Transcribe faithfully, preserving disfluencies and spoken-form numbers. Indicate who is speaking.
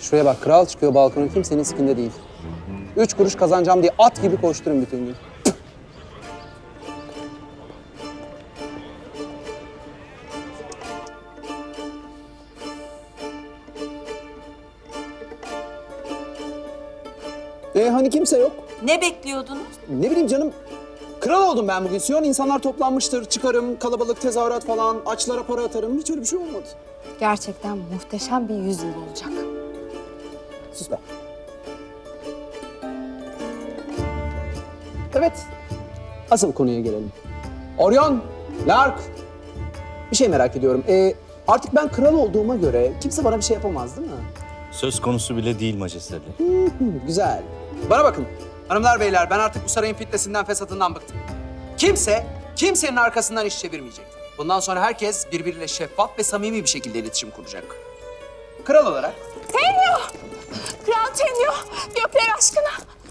Speaker 1: Şuraya bak, kral çıkıyor balkona, kimsenin sikinde değil. Üç kuruş kazanacağım diye at gibi koşturun bütün gün. E hani kimse yok?
Speaker 2: Ne bekliyordunuz?
Speaker 1: Ne bileyim canım, kral oldum ben bugün. Siyon insanlar toplanmıştır, çıkarım, kalabalık tezahürat falan, açlara para atarım. Hiç öyle bir şey olmadı.
Speaker 3: Gerçekten muhteşem bir yüzyıl olacak.
Speaker 1: Sus be. Evet, asıl konuya gelelim. Orion, Lark, bir şey merak ediyorum. Ee, artık ben kral olduğuma göre kimse bana bir şey yapamaz değil mi?
Speaker 4: Söz konusu bile değil majesteleri.
Speaker 1: Hı, güzel. Bana bakın, hanımlar beyler, ben artık bu sarayın fitnesinden, fesatından bıktım. Kimse, kimsenin arkasından iş çevirmeyecek. Bundan sonra herkes birbiriyle şeffaf ve samimi bir şekilde iletişim kuracak. Kral olarak
Speaker 3: Kral Tenyo, gökler aşkına